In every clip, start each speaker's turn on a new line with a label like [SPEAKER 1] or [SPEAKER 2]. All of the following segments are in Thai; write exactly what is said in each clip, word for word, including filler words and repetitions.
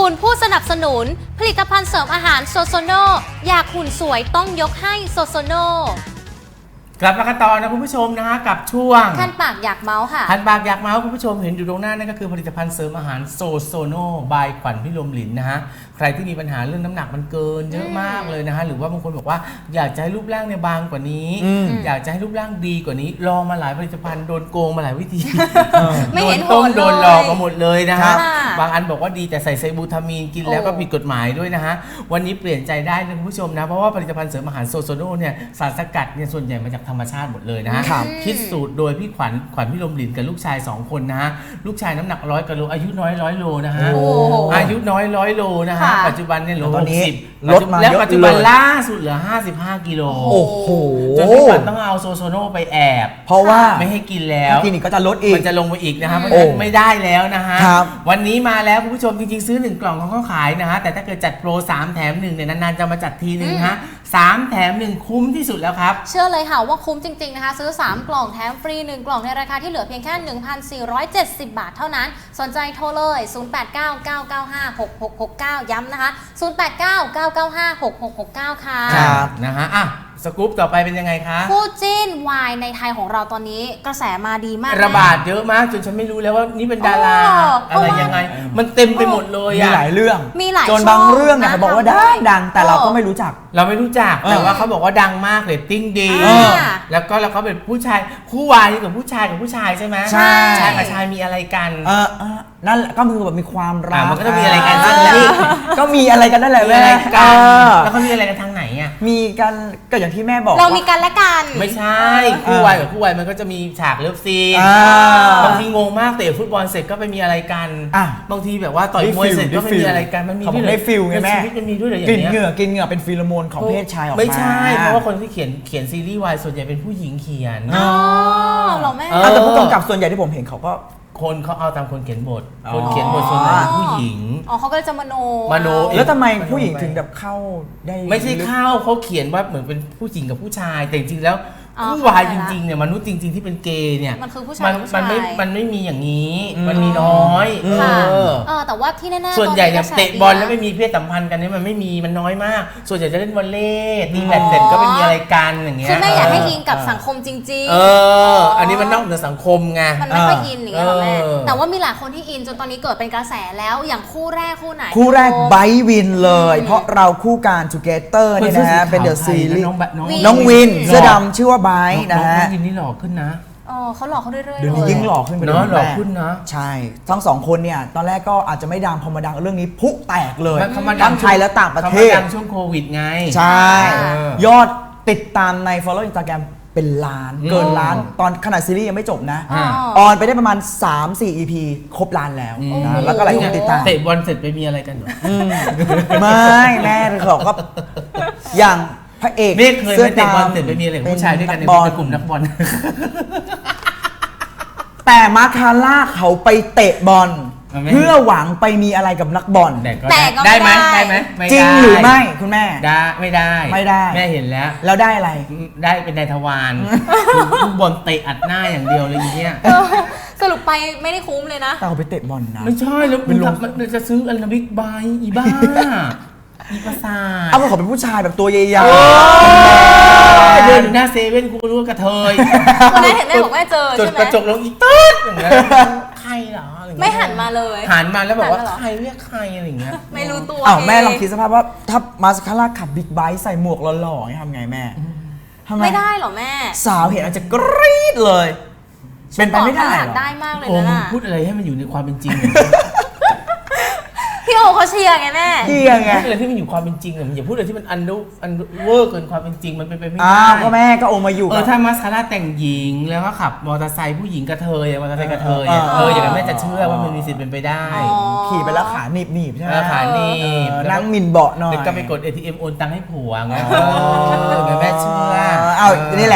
[SPEAKER 1] คุณผู้สนับสนุนผลิตภัณฑ์เสริมอาหารโซโซโนอยากหุ่นสวยต้องยกให้โซโซโน
[SPEAKER 2] กลับมากันต่อนะคุณผู้ชมนะฮะกับช่วง
[SPEAKER 1] คันปากอยากเมาส์ค่ะ
[SPEAKER 2] คันปากอยากเมาส์คุณผู้ชมเห็นอยู่ตรงหน้านั่นก็คือผลิตภัณฑ์เสริมอาหารโซโซโนบายขวัญพิรมหลินนะฮะใครที่มีปัญหาเรื่องน้ำหนักมันเกินเยอะมากเลยนะฮะหรือว่าบางคนบอกว่าอยากจะให้รูปร่างเนี่ยบางกว่านี้อยากจะให้รูปร่างดีกว่านี้ลองมาหลายผลิตภัณฑ์โดนโกงมาหลายวิธี
[SPEAKER 1] ไม่เห็น
[SPEAKER 2] ต้มโดนหลอกมาหมดเลยนะฮะ
[SPEAKER 1] บ
[SPEAKER 2] บางอันบอกว่าดีแต่ใส่ไซบูทามีนกินแล้วก็ผิดกฎหมายด้วยนะฮะวันนี้เปลี่ยนใจได้นะคุณผู้ชมนะเพราะว่าผลิตภัณฑ์เสริมอาหารโซโซโนเนี่ยสารสกัดเนี่ยส่วนใหญ่มาจากธรรมชาติหมดเลยนะฮะคิดสูตรโดยพี่ขวัญขวัญพิรมหลินกับลูกชายสองคนนะฮะลูกชายน้ำหนักร้อยกิโลอายุน้อยร้อยโลนะฮะอายุน้อยร้อยโลนะฮะปัจจุบันเนี่ยโลหกสิบลดมาแล้วปัจจุบันล่าสุดเหลือห้าสิบห้ากิโล
[SPEAKER 3] โอ้โห
[SPEAKER 2] จนพี่ขวัญต้องเอาโซโซโนไปแอบ
[SPEAKER 3] เพราะว่า
[SPEAKER 2] ไม่ให้กินแล้ว
[SPEAKER 3] กินอีกก็จะลดอีก
[SPEAKER 2] มันจะลงไปอีกนะฮะเพราะฉะนั้นไม่ได้แล้วนะฮะวันนี้มาแล้วคุณผู้ชมจริงๆซื้อหนึ่งกล่องเขาก็ขายนะฮะแต่ถ้าเกิดจัดโปรสามแถมหนึ่งเนี่ยนานๆจะมาจัดทีนึงฮะสามแถมหนึ่งคุ้มที่สุดแล้วครับ
[SPEAKER 1] เชื่อเลยค่ะว่าคุ้มจริงๆนะคะซื้อสามกล่องแถมฟรีหนึ่งกล่องในราคาที่เหลือเพียงแค่ หนึ่งพันสี่ร้อยเจ็ดสิบ บาทเท่านั้นสนใจโทรเลยศูนย์ แปด เก้า เก้า เก้า ห้า หก หก หก เก้าย้ำนะคะศูนย์ แปด เก้า เก้า เก้า ห้า หก หก หก เก้าค่ะ
[SPEAKER 2] ครับนะฮะอ่ะสกู๊ปต่อไปเป็นยังไงคะ
[SPEAKER 1] คู่จิ้นวายในไทยของเราตอนนี้กระแสมาดีมาก
[SPEAKER 2] ระบาดเยอะมากจนฉันไม่รู้แล้วว่านี่เป็นดาราอะไรยังไงมันเต็มไปหมดเลย
[SPEAKER 3] มีหลายเรื่อง
[SPEAKER 1] มีหลาย
[SPEAKER 3] จนบางเรื่องเนี่ยเขาบอกว่าดังดังแต่เราก็ไม่รู้จัก
[SPEAKER 2] เราไม่รู้จักแต่ว่าเขาบอกว่าดังมากเรตติ้งดีแล้วก็แล้วเขาเป็นผู้ชายคู่วายกับผู้ชายกับผู้ชายใช่ไหม
[SPEAKER 3] ใช่
[SPEAKER 2] ชายกับชายมีอะไรกัน
[SPEAKER 3] เออนั่นแหละก็คือแบบมีความรัก
[SPEAKER 2] มันก็ต้องมีอะไรกันนั่นแหละ
[SPEAKER 3] ก็มีอะไรกันนั่นแหละแม่
[SPEAKER 2] แล้วเขามีอะไรกันทางไหนอ่ะ
[SPEAKER 3] มีกันก็อย่างที่แม่บอก
[SPEAKER 1] เรามีกันและกัน
[SPEAKER 2] ไม่ใช่คู่วายกับคู่วายมันก็จะมีฉากเลิฟซีนบางทีงงมากเตะฟุตบอลเสร็จก็ไปมีอะไรกันบางทีแบบว่าต่อยมวยเสร็จก็ไปมีอะไรกันมันมี
[SPEAKER 3] ด้วยได้ฟิลไงแม่
[SPEAKER 2] มันมีด้วยเหรออย่างเงี้ย
[SPEAKER 3] กินเหงื่อกินเหงื่อเป็นฟีโรโมนของเพศชายออกมา
[SPEAKER 2] ไม่ใช่เพราะว่าคนที่เขียนเขียนซีรีส์วายส่วนใหญ่เป็นผู้หญิงเขียน
[SPEAKER 1] อ๋อเหรอแม่
[SPEAKER 3] แต่ผู้กำกับส่วนใหญ่ที่ผมเห็นเขาก็
[SPEAKER 2] คนเขาเอาตามคนเขียนบทคนเขียนบทส่วนใหญ่เป็นผู้หญิง
[SPEAKER 1] อ๋อเขาก็จะมโน
[SPEAKER 2] มโน
[SPEAKER 3] แล้วทำไมผู้หญิงถึงแบบเข้าได้
[SPEAKER 2] ไม่ใช่เข้าเขาเขียนว่าเหมือนเป็นผู้หญิงกับผู้ชายแต่จริงๆแล้วผู้วายจริงๆเนี่ยมนุษย์จริงๆที่เป็นเกย์เนี่ย
[SPEAKER 1] มันคือผู้ชาย
[SPEAKER 2] มันไม่มันไม่มีอย่างนี้มันมีน้อย
[SPEAKER 1] เออแต่ว่าที่แน่ๆ
[SPEAKER 2] ส่วนใหญ่เนี่ยเตะบอลแล้วไม่มีเพศสัมพันธ์กันเนี่ยมันไม่มีมันน้อยมากส่วนใหญ่จะเล่นวอลเลย์ตีแบดเสร็จก็ไม่มีอะไรกันอย่างเงี้ย
[SPEAKER 1] คือแม่อยากให้อินกับสังคมจริงๆ
[SPEAKER 2] เอออันนี้มันนอกเหนือสังคมไง
[SPEAKER 1] มันไม่ค่อยอินอย่างเงี้ยหรอแม่แต่ว่ามีหลายคนที่อินจนตอนนี้เกิดเป็นกระแสแล้วอย่างคู่แรกคู่ไหน
[SPEAKER 3] คู่แรกไบวินเลยเพราะเราคู่การทูเกเตอร์เนี่ยนะฮะเป็นเดอะซีรีส์น้องวินเสื้อดำชื่อว่าไบนะฮะ
[SPEAKER 2] วินนี่หล่อขึ้นนะ
[SPEAKER 1] อ๋อเขาหล่อเขาเรื่อยๆ
[SPEAKER 3] เดี๋ยวนี้ยิ่งหล่อขึ้นไป
[SPEAKER 2] เนาะหล่อขึ้นนะ
[SPEAKER 3] ใช่ทั้งสองคนเนี่ยตอนแรกก็อาจจะไม่ดังพอมาดังเรื่องนี้พุแตกเลย
[SPEAKER 2] ทั้
[SPEAKER 3] งไทยและต่างประเทศ
[SPEAKER 2] ดังช่วงโควิดไง
[SPEAKER 3] ใช่ยอดติดตามใน follow Instagram เป็นล้านเกินล้านตอนขนาดซีรีส์ยังไม่จบนะออนไปได้ประมาณ สามสี่ อี พี ครบล้านแล้วนะแล้วก็หลายคนติดตาม
[SPEAKER 2] เตะบอลเสร็จไปมีอะไรกันเหรอ
[SPEAKER 3] ไม่แม่เขาก็อย่างพระเอก
[SPEAKER 2] เมฆเคยไปเตะบอลเสร็จไปมีอะไรกับผู้ชายด้วยกันในกลุ่มนักบอล
[SPEAKER 3] แต่มาคาร่าเขาไปเตะบอลเพื่อหวังไปมีอะไรกับนักบอล
[SPEAKER 1] แต่ก็
[SPEAKER 2] ได้ไหมได้ไหม
[SPEAKER 3] จริงหรือไม่คุณแม่
[SPEAKER 2] ได้ไม่ได้
[SPEAKER 3] ไม่ได้
[SPEAKER 2] แม่เห็นแล้ว
[SPEAKER 3] แล้วได้อะไร
[SPEAKER 2] ได้เป็นนายทวารลูกบอลเตะอัดหน้าอย่างเดียวเลยอย่างเงี้ย
[SPEAKER 1] สรุปไปไม่ได้คุ้มเลยนะ
[SPEAKER 3] แต่เขาไปเตะบอลนะ
[SPEAKER 2] ไม่ใช่แล้วมันจะซื้ออันนาบิ๊กไบอีบ้าอีภาษา
[SPEAKER 3] เอาเขาเป็นผู้ชายแบบตัวใหญ่
[SPEAKER 2] ๆเดินหน้าเซเว่นกูรู้ว่ากระเทย
[SPEAKER 1] วันนั้นเห็นแม่บอกแม่เจอใช่ไหม
[SPEAKER 2] กระจกลงอีตึ๊ดอย่างเงี้ยใครเหรอ
[SPEAKER 1] ไม่หันมาเลย
[SPEAKER 2] หันมาแล้วบอกว่าใครเรียกใครอะไรอย่างเงี้ย
[SPEAKER 1] ไม่รู้ตัว
[SPEAKER 3] อ้าวแม่ลองคิดสภาพว่าถ้ามาสคาร่าขับบิ๊กไบค์ใส่หมวกหล่อๆทำไงแม่
[SPEAKER 1] ไม่ได้หรอแม่
[SPEAKER 3] สาวเห็นอาจจะกรี๊ดเลยเป็นไปไม่ได้หรอ
[SPEAKER 1] ได้มากเลย
[SPEAKER 2] นะพูดอะไรให้มันอยู่ในความเป็นจริง
[SPEAKER 1] พี่โอเขาเชียร์ไงแม่
[SPEAKER 3] เชียร์ไง
[SPEAKER 2] พูดอะไรที่มันอยู่ความเป็นจริงอะอย่าพูดอะไรที่มันอันดูอันเวอร์เกินความเป็นจริงมันเป็นไปไม่ได้
[SPEAKER 3] อ้าวก็แม่ก็โอมาอยู่
[SPEAKER 2] เออถ้ามาสคาร่าแต่งหญิงแล้วก็ขับมอเตอร์ไซค์ผู้หญิงกระเทยมอเตอร์ไซค์กระเทยเอออย่างนั้นแม่จะเชื่อว่ามันมีสิทธิ์เป็นไปได้
[SPEAKER 3] ขี่ไปแล้วขาหนีบหนีบใช่ไหม
[SPEAKER 2] ขาหนีบ
[SPEAKER 3] นั่งมินเบาะหน่อย
[SPEAKER 2] แล้วก็ไปกด เอ ที เอ็ม โอนตังค์ให้ผัวไงเออแม่เชื่อ
[SPEAKER 3] เอานี่แหละ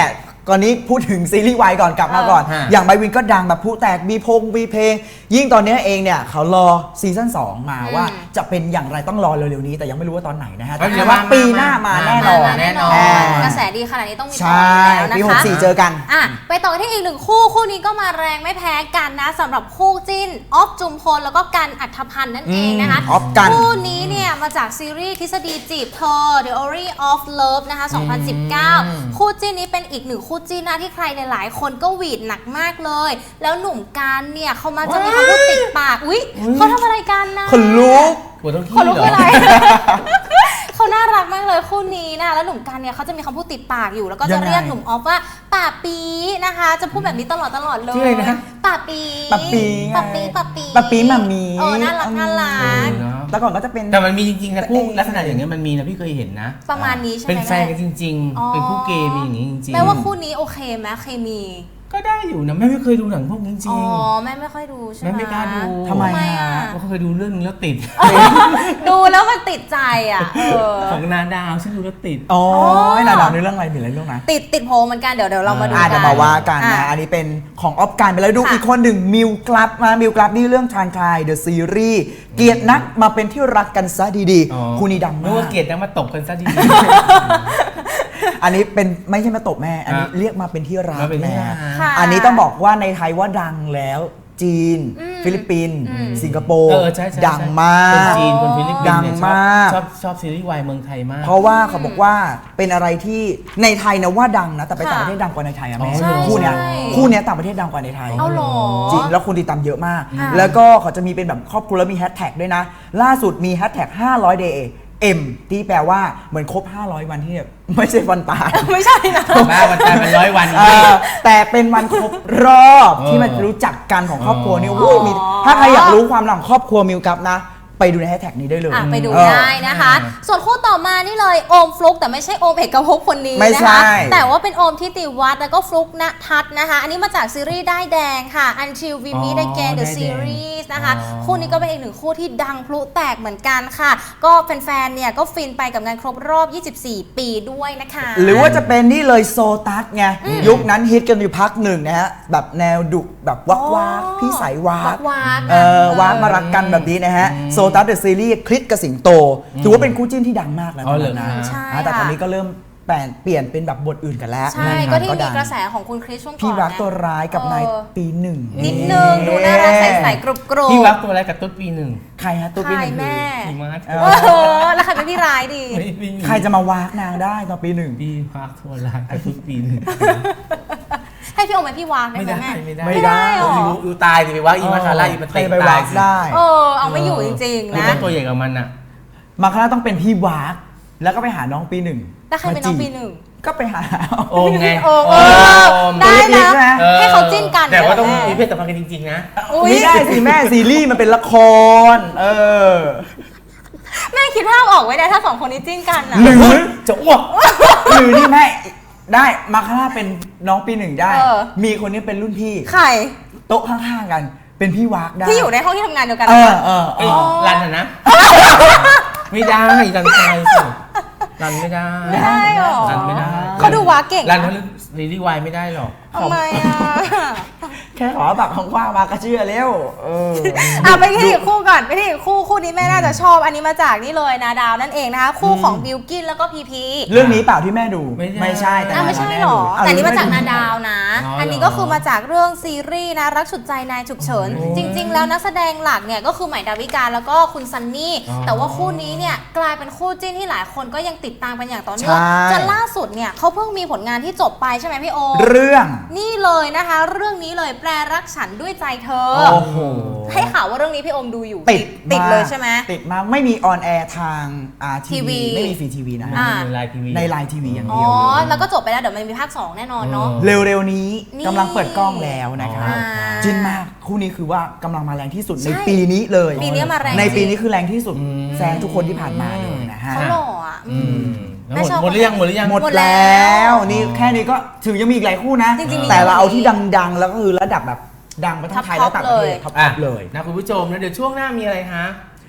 [SPEAKER 3] ก่อนนี้พูดถึงซีรีส์วายก่อนกลับมาก่อน
[SPEAKER 2] เออ
[SPEAKER 3] อย่างไบวินก็ดังแบบผู้แตกมีพงมีเพลง ยิ่งตอนนี้เองเนี่ยเขารอซีซั่นสองมาว่าจะเป็นอย่างไรต้องรอเร็วๆนี้แต่ยังไม่รู้ว่าตอนไหนนะฮะแต่ว่าปีหน้ามาแน่นอน
[SPEAKER 1] แน่นอน
[SPEAKER 3] อ่าก
[SPEAKER 1] ระแสดีขนาดนี้ต้องมี
[SPEAKER 3] ใช่
[SPEAKER 1] ต่ออยู่แล้วนะคะ
[SPEAKER 3] ปีหกสี่เจอกัน
[SPEAKER 1] อ่ะไปต่อที่อีกหนึ่งคู่คู่นี้ก็มาแรงไม่แพ้กันนะสำหรับคู่จิ้นออฟจุมพลแล้วก็กันอัธพันธ์นั่นเองนะคะ
[SPEAKER 3] อืมออฟกัน
[SPEAKER 1] คู่นี้เนี่ยมาจากซีรีส์ทฤษฎีจีบเธอ Theory of Love นะคะสองพันสิบเก้า คู่จิ้นนี้เป็นอีกหนึ่งคู่จิ้นนะที่ใครหลายๆคนก็หวีดหนักมากเลย แล้วหนุ่มกันเนี่ยเขามาจะมีคำพูดติดปากอุ๊ยเขาทำอะไรกันนะ
[SPEAKER 3] คนลุก
[SPEAKER 2] ปวดท้อง
[SPEAKER 1] คน
[SPEAKER 2] ขี้
[SPEAKER 1] ลุก
[SPEAKER 2] เหร
[SPEAKER 1] คือ
[SPEAKER 2] อ
[SPEAKER 1] อะไร เขาน่ารักมากเลยคู่นี้นะแล้วหนุ่มกันเนี่ยเขาจะมีคำพูดติดปากอยู่แล้วก็
[SPEAKER 3] ยั
[SPEAKER 1] จะ
[SPEAKER 3] งไง
[SPEAKER 1] เรียกหนุ่มออฟว่าป่าปีนะคะ จะพูดแบบนี้ตลอดตลอดเลย
[SPEAKER 2] ชื่ออะไรนะ
[SPEAKER 1] ป่าปี
[SPEAKER 3] ป่าปีไง
[SPEAKER 1] ป่าปีป่าปี
[SPEAKER 3] ป่าปีหม่ามี
[SPEAKER 1] เออน่ารักน่ารั
[SPEAKER 2] เอก อเนอะ
[SPEAKER 3] แต่ก่อนก็จะเป็น
[SPEAKER 2] แต่มันมีจริงๆนะคู่ลักษณะอย่างเงี้ยมันมีนะพี่เคยเห็นนะ
[SPEAKER 1] ประมาณนี้ใช่ไหม
[SPEAKER 2] เป็นแฟนกันจริง
[SPEAKER 1] อ๋อ
[SPEAKER 2] ๆ เป็นคู่เกย์มีอย่างงี้จริงๆ
[SPEAKER 1] แปลว่าคู่นี้โอเคไหมเคมี
[SPEAKER 2] ก็ได้อยู่นะแม่ไม่เคยดูหนังพวกนี้จ
[SPEAKER 1] อ๋
[SPEAKER 2] ริ
[SPEAKER 1] อง แม่ไม่ค่อยดูใช่ไหม
[SPEAKER 2] แม่ไม่กล้าดู
[SPEAKER 3] ทำไม
[SPEAKER 1] อ่ะ
[SPEAKER 3] ฮะ
[SPEAKER 2] ๆก็เคยดูเรื่องนึงแล้วติด
[SPEAKER 1] ดูแล้วมันติดใจอ่ะเออ
[SPEAKER 2] ของนาดาวฉันดูแล้วติด
[SPEAKER 3] อ๋อ
[SPEAKER 1] อ๋อ
[SPEAKER 3] หนาดาวในเรื่องอะไรมีอะไรเรื่องนะ
[SPEAKER 1] ติดติดโพลเหมือนกันเดี๋ยวเดี๋ยวเรามาดู
[SPEAKER 3] อ่า
[SPEAKER 1] กั
[SPEAKER 3] เดี๋ย
[SPEAKER 1] น
[SPEAKER 3] วมาว่ากันนะ
[SPEAKER 1] อ่ะ
[SPEAKER 3] อันนี้เป็นของออฟการไปแล้วดู
[SPEAKER 1] ค่ะ
[SPEAKER 3] อีกคนหนึ่งมิวกลับมามิวกลับนี่เรื่องทานคลายเดอะซีรีส์เกลียดนักมาเป็นที่รักกันซะดี
[SPEAKER 2] อ๋อ
[SPEAKER 3] ๆคู่นี้ดัง
[SPEAKER 2] นึก
[SPEAKER 3] มา
[SPEAKER 2] ว่าก เกลียดนะมาตบกันซะดี
[SPEAKER 3] อันนี้เป็นไม่ใช่มาตบแม่ อันนี้
[SPEAKER 2] อ่ะ
[SPEAKER 3] เรียกมาเป็นที่รัก
[SPEAKER 2] มาเป็นที่
[SPEAKER 3] แม่
[SPEAKER 2] รัก
[SPEAKER 1] ค่ะ
[SPEAKER 3] อันนี้ต้องบอกว่าในไทยว่าดังแล้วจีน
[SPEAKER 1] อืม
[SPEAKER 3] ฟิลิปปินส์
[SPEAKER 1] อืม
[SPEAKER 3] สิงคโป
[SPEAKER 2] ๆ
[SPEAKER 3] ร์
[SPEAKER 2] เออใช่ใช่
[SPEAKER 3] ดังมา
[SPEAKER 2] คน
[SPEAKER 3] ก
[SPEAKER 2] จีนคนฟิลิปปินส์เนี่ย
[SPEAKER 3] ดัง
[SPEAKER 2] ชอบ
[SPEAKER 3] มาก
[SPEAKER 2] ชอบชอบซีรีส์วายเมืองไทยมาก
[SPEAKER 3] เพราะว่าเขาบอกว่าเป็นอะไรที่ในไทยนะว่าดังนะ แต่ไป
[SPEAKER 1] ค่ะ
[SPEAKER 3] ต่างประเทศดังกว่าในไทยอะแม่
[SPEAKER 2] ใช่
[SPEAKER 3] คู่เนี้ย
[SPEAKER 1] ใช่
[SPEAKER 3] คู่เนี้ยต่างประเทศดังกว่าในไทย
[SPEAKER 1] เอาเหรอ
[SPEAKER 3] จริงแล้วคนติดตามเยอะมาก
[SPEAKER 1] อ่า
[SPEAKER 3] แล้วก็เขาจะมีเป็นแบบครอบครัวแล้วมีแฮชแท็กด้วยนะ ล่าสุดมีแฮชแท็กห้าร้อย day M ที่แปลว่าเหมือนครบห้าร้อยวันที่แบบไม่ใช่วันตาย
[SPEAKER 1] ไม่ใช่นะ
[SPEAKER 2] มาวันตายเป็นร้อยวัน
[SPEAKER 3] เออแต่เป็นวันครบรอบ
[SPEAKER 2] เออ
[SPEAKER 3] ที่มันรู้จักกันของครอบครัวนี่
[SPEAKER 1] อ๋อ
[SPEAKER 3] อุ้ยมีถ้าใครอยากรู้ความหลังครอบครัวมิวกับนะ ไปดูในแฮชแท็กนี้ได้เลย
[SPEAKER 1] อ่ะไปดู
[SPEAKER 3] เออ
[SPEAKER 1] ได้นะคะ ส่วนคู่ต่อมานี่เลยโอมฟลุกแต่ไม่ใช่โอมเอกภพคนนี้
[SPEAKER 3] ไม่
[SPEAKER 1] นะ
[SPEAKER 3] ใช่
[SPEAKER 1] คะแต่ว่าเป็นโอมทิติวัฒน์แล้วก็ฟลุกณทัศน์นะคะ อันนี้มาจากซีรีส์ได้ายแดงค่ะ Until We Meet
[SPEAKER 2] อ๋อ
[SPEAKER 1] Again The
[SPEAKER 2] ด้ายแดง
[SPEAKER 1] Series นะคะ
[SPEAKER 2] อ๋อ
[SPEAKER 1] คู่นี้ก็เป็นอีกหนึ่งคู่ที่ดังพลุแตกเหมือนกันค่ะ ก็แฟนๆเนี่ยก็ฟินไปกับงานครบรอบ ยี่สิบสี่ ปีด้วยนะคะ
[SPEAKER 3] หรือว่าจะเป็นนี่เลยโซตัสไงยุคนั้นฮิตกันอยู่พักหนึ่งนะฮะแบบแนวดุแบบวักวัก
[SPEAKER 1] อ๋อ
[SPEAKER 3] พี่สายวา
[SPEAKER 1] วั
[SPEAKER 3] ก
[SPEAKER 1] กวัก
[SPEAKER 3] เออวากมารักกันแบบนี้นะฮะโซตัสเดอะซีรีส์คลิกกับสิงโตถือว่าเป็นคู่จิ้นที่ดังมากแล้ว
[SPEAKER 2] อ๋อเหรอ
[SPEAKER 3] นะ
[SPEAKER 1] ใช่
[SPEAKER 3] อ่าแต่ตอน
[SPEAKER 1] ค่ะ
[SPEAKER 3] นี้ก็เริ่มแปลเปลี่ยนเป็นแบบบทอื่นกันแล้ว
[SPEAKER 1] ใช่
[SPEAKER 3] นะ
[SPEAKER 1] ก็ที่มี
[SPEAKER 3] ดัง
[SPEAKER 1] กระแสของคุณคริสช่วงก่อน
[SPEAKER 3] พี่รัก
[SPEAKER 1] นะ
[SPEAKER 3] ตัวร้ายกับนาย
[SPEAKER 1] เออ
[SPEAKER 3] ปีหนึ่ง
[SPEAKER 1] นิดนึงดูน่ารักใสๆกรุบกรุบ
[SPEAKER 2] พี่วักตัวอะไรกับตุ๊ดปีหนึ่ง
[SPEAKER 3] ใครฮะตัวปีหนึ่ง
[SPEAKER 1] ใครแม่
[SPEAKER 2] พี่มาร์ท
[SPEAKER 3] เอ
[SPEAKER 1] โอ้โหแล้วใครเป็นพี่ร้ายดี
[SPEAKER 2] ไม่ไม่มี
[SPEAKER 3] ใครจะมาวากนางได้ตอนปีหนึ่ง
[SPEAKER 2] พี่วักตัวอะไรกับตุ๊ดปีหนึ่ง
[SPEAKER 1] ให้พี่โอมเป็นพี่วากได้
[SPEAKER 2] ไม่
[SPEAKER 1] ไหม
[SPEAKER 2] ได้
[SPEAKER 1] แม่
[SPEAKER 2] ไม่ได้
[SPEAKER 3] ไม่ได้
[SPEAKER 1] หรอ
[SPEAKER 2] อยู่อยู่ตายสิไปวักอีมาคาร่าอีมา
[SPEAKER 3] ใคร
[SPEAKER 2] เตะ
[SPEAKER 3] ไป
[SPEAKER 2] ตา
[SPEAKER 3] วาย ก
[SPEAKER 2] สิ
[SPEAKER 3] ได้
[SPEAKER 1] เออเอาไม่อยู่จริงๆ
[SPEAKER 2] คือ
[SPEAKER 1] นะ
[SPEAKER 2] ต้องตัวใหญ่กับมันอ่ะ
[SPEAKER 3] มาคณะต้องเป็นพี่วากแล้วก็ไปหาน้องปีหนึ่ง
[SPEAKER 1] แล้วใครเป็นน้องปีหนึ่ง
[SPEAKER 3] ก็ไปหา
[SPEAKER 2] โอมไง
[SPEAKER 1] โอม
[SPEAKER 2] โอม
[SPEAKER 1] ได้
[SPEAKER 3] ตัวเล็กๆ
[SPEAKER 1] นะ
[SPEAKER 3] นะ
[SPEAKER 2] ออ
[SPEAKER 1] ให้เขาจิ้นกัน
[SPEAKER 2] แต่ว่าต้อง
[SPEAKER 1] แม่
[SPEAKER 2] มีเพศสัมพันธ์กันจริงๆนะ
[SPEAKER 1] อุ๊ย
[SPEAKER 3] ไม่ได้สิแม่ซีรีส์มันเป็นละคร เออ
[SPEAKER 1] แม่คิดภาพออกไว้ได้ถ้าสองคนนี้จิ้นกันอ่ะ
[SPEAKER 3] หรือ
[SPEAKER 2] จะอ้วก
[SPEAKER 3] หรือนี่แม่ได้มาคณะเป็นน้องปีหนึ่งได้
[SPEAKER 1] เออ
[SPEAKER 3] มีคนนี้เป็นรุ่นพี่
[SPEAKER 1] ใคร
[SPEAKER 3] โต๊ะข้างๆกัน เป็นพี่วากได้
[SPEAKER 1] ที่อยู่ในห้องที่ทำงานเดียวกัน
[SPEAKER 3] เออ
[SPEAKER 1] ปะ
[SPEAKER 3] เออเอ
[SPEAKER 2] ไอ้
[SPEAKER 3] อ
[SPEAKER 2] รันอ่ะนะ ไม่ได้รันตายสิรันไม่ได้
[SPEAKER 1] ไม่ได้หรอ
[SPEAKER 2] รันไม่ได้
[SPEAKER 1] เขาดูวากเก่ง
[SPEAKER 2] รันเขาเล่นซีรีส์วายไม่ได้หรอก
[SPEAKER 1] ทำไมอ่ะ
[SPEAKER 3] แค่ขอแบบของกว้างๆมากระเชื่อเร็วเออ
[SPEAKER 1] อ่ะไปที่อีกคู่ก่อนไปที่อีกคู่คู่นี้แม่น่าจะชอบอันนี้มาจากนี่เลยนาดาวนั่นเองนะคะคู่ของบิลกินแล้วก็พีพี
[SPEAKER 3] เรื่องนี้เปล่าที่แม่ดู
[SPEAKER 2] ไม่ใช่
[SPEAKER 3] แต่
[SPEAKER 1] อ่ะไม่ใช่
[SPEAKER 3] แม่
[SPEAKER 1] หรอ
[SPEAKER 3] ดู
[SPEAKER 1] แต่นี่มาจากนา
[SPEAKER 3] เอ
[SPEAKER 1] ดาวนะ
[SPEAKER 2] อ๋ออั
[SPEAKER 1] อันนี้ก็คือมาจากเรื่องซีรีส์นะรักฉุดใจนายฉุกเฉิน
[SPEAKER 2] โอ้
[SPEAKER 1] จริง ๆ แล้วนักแสดงหลักเนี่ยก็คือใหม่ดาวิกาแล้วก็คุณซันนี่
[SPEAKER 2] อ๋อ
[SPEAKER 1] แต่ว่าคู่นี้เนี่ยกลายเป็นคู่จิ้นที่หลายคนก็ยังติดตามกันอย่างต่อเนื่อง
[SPEAKER 3] ใช่
[SPEAKER 1] จนล่าสุดเนี่ยเขาเพิ่งมีผลงานที่จบไปใช่ไหมพี่โอ
[SPEAKER 3] เรื่อง
[SPEAKER 1] นี่เลยนะคะ เรื่องนี้เลยแปรรักฉันด้วยใจเธอ
[SPEAKER 3] โอ้โห
[SPEAKER 1] ให้ข่าวว่าเรื่องนี้พี่โอมดูอยู่
[SPEAKER 3] ติด
[SPEAKER 1] ติด
[SPEAKER 3] มาก
[SPEAKER 1] เลยใช่ไหม
[SPEAKER 3] ติดมากไม่มีออนแอร์ทางอาร์ที
[SPEAKER 1] ทีวี
[SPEAKER 3] วีไม่มีฟรีทีวีนะฮะ
[SPEAKER 1] อ่า
[SPEAKER 2] ในไลน์ทีวี
[SPEAKER 3] ในไลน์ทีวีอย่าง
[SPEAKER 1] อ๋
[SPEAKER 3] เดี
[SPEAKER 1] อ
[SPEAKER 3] ยวเลย
[SPEAKER 1] แล้วก็จบไปแล้วเดี๋ยวมันมีภาคสองแน่นอนเนาะ
[SPEAKER 2] อ๋อ
[SPEAKER 3] เร็วๆนี้
[SPEAKER 1] นี่
[SPEAKER 3] กำลังเปิดกล้องแล้วนะคะ
[SPEAKER 2] อ่า
[SPEAKER 3] จินมากคู่นี้คือว่ากำลังมาแรงที่สุด
[SPEAKER 1] ใช่
[SPEAKER 3] ในปีนี้เลย
[SPEAKER 1] ปีนี้มาแรง
[SPEAKER 3] ในปี
[SPEAKER 1] จริง
[SPEAKER 3] นี้คือแรงที่สุด
[SPEAKER 2] อืม
[SPEAKER 3] แซงทุกคนที่ผ่านมาเลยนะฮะ
[SPEAKER 1] เขาหล่ออ่ะ
[SPEAKER 2] อืมแล้ว
[SPEAKER 1] แม่
[SPEAKER 2] หมด
[SPEAKER 1] ชอบ
[SPEAKER 2] หมดหรือยังหมดหรือยัง
[SPEAKER 3] หมด
[SPEAKER 1] หมดแล้
[SPEAKER 3] แล้ว วนี่แค่นี้ก็ถึงยังมีอีกหลายคู่นะ
[SPEAKER 1] จริงๆมี
[SPEAKER 3] แต่เราเอา
[SPEAKER 1] เยอะกว่านี้
[SPEAKER 3] ที่ดังๆ แล้วก็คือระดับแบบดังไปทั้งไทยและต่างประเทศท็อป
[SPEAKER 2] อ่ะ
[SPEAKER 3] ๆเลย
[SPEAKER 2] นะคุณผู้ชมนะเดี๋ยวช่วงหน้ามีอะไรฮะ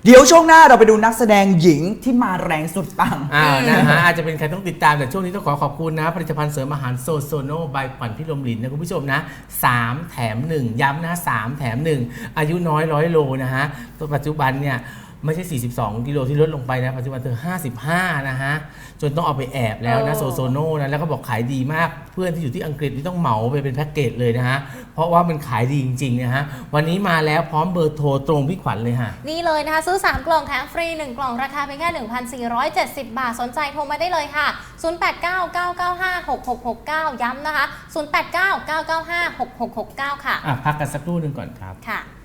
[SPEAKER 3] เดี๋ยวช่วงหน้าเราไปดูนักแสดงหญิงที่มาแรงสุดปัง
[SPEAKER 2] อ่านะฮะอาจจะเป็นใครต้องติดตามแต่ช่วงนี้ต้องขอขอบคุณนะผลิตภัณฑ์เสริมอาหารโซโซโนบายขวัญพิรมลินนะคุณผู้ชมนะสามแถมหนึ่งย้ำนะสามแถมหนึ่งอายุน้อยร้อยโลนะฮะตัวปัจจุบันเนี่ยไม่ใช่สี่สิบสองกิโลที่ลดลงไปนะปัจจุบันเธอห้าสิบห้านะฮะจนต้องเอาไปแอบแล้วนะโซโซโนนะแล้วก็บอกขายดีมากเพื่อนที่อยู่ที่อังกฤษที่ต้องเหมาไปเป็นแพ็กเกจเลยนะฮะเพราะว่ามันขายดีจริงๆนะฮะวันนี้มาแล้วพร้อมเบอร์โทรตรงพี่ขวัญเลยฮะ
[SPEAKER 1] นี่เลยนะคะซื้อสามกล่องแถมฟรีหนึ่งกล่องราคาเพียงแค่ หนึ่งพันสี่ร้อยเจ็ดสิบ บาทสนใจโทรมาได้เลยค่ะ ศูนย์ แปด เก้า เก้า เก้า ห้า หก หก หก เก้า ย้ำนะคะ ศูนย์ แปด เก้า เก้า เก้า ห้า หก หก หก เก้า ค่ะ
[SPEAKER 2] อ่ะพักกันสักครู่หนึ่งก่อนครับ
[SPEAKER 1] ค่ะ